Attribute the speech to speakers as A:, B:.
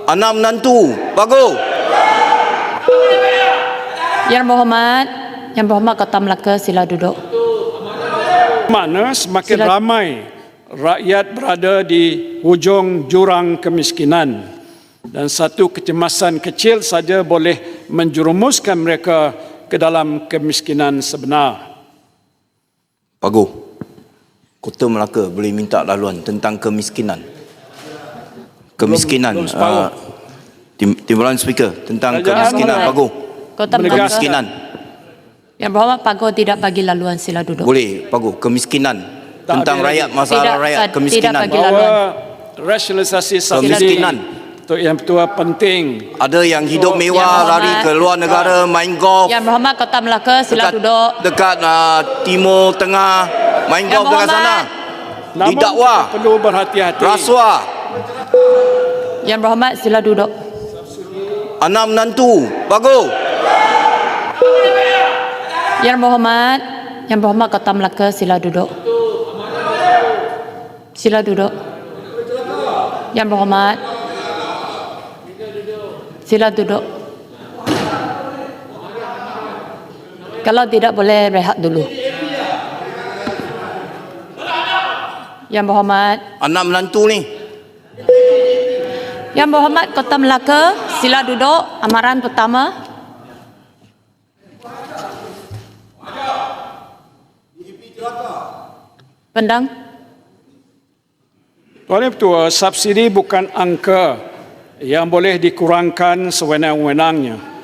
A: Anak menantu, bagus.
B: Yang berhormat Ketua Melaka, sila duduk.
C: Mana semakin ramai rakyat berada di hujung jurang kemiskinan dan satu kecemasan kecil saja boleh menjerumuskan mereka ke dalam kemiskinan sebenar.
A: Bagus. Kota Melaka boleh minta laluan tentang kemiskinan. Kemiskinan. Timbalan Speaker tentang kemiskinan. Bagus.
B: Kota Melaka.
A: Kemiskinan.
B: Yang berhormat Pago tidak bagi laluan, sila duduk.
A: Boleh, bagus. Kemiskinan.
C: Tak
A: Tentang
C: ada
A: rakyat,
C: lagi.
A: masalah
B: Tidak,
A: rakyat,
B: tidak
A: kemiskinan.
B: bagi laluan.
C: Bahawa rasionalisasi subsidi
A: Kemiskinan.
C: itu yang betul penting.
A: Ada yang hidup mewah,
B: Yang
A: lari ke luar negara, main golf.
B: Yang berhormat Kota Melaka, sila duduk.
A: Dekat Timur Tengah, main
B: Yang
A: golf dekat sana.
B: berhormat.
C: Namun
A: Didakwa.
C: kita perlu berhati-hati.
A: Rasuah.
B: Yang berhormat, sila duduk.
A: Anak menantu, bagus.
B: Yang berhormat Kota Melaka, sila duduk. Sila duduk. Yang berhormat, sila duduk. Kalau tidak, boleh rehat dulu. Yang berhormat,
A: Anak menantu ni.
B: Yang berhormat Kota Melaka, sila duduk. Amaran pertama. Pendang.
C: Tuan Yang Pertua, subsidi bukan angka yang boleh dikurangkan sewenang-wenangnya.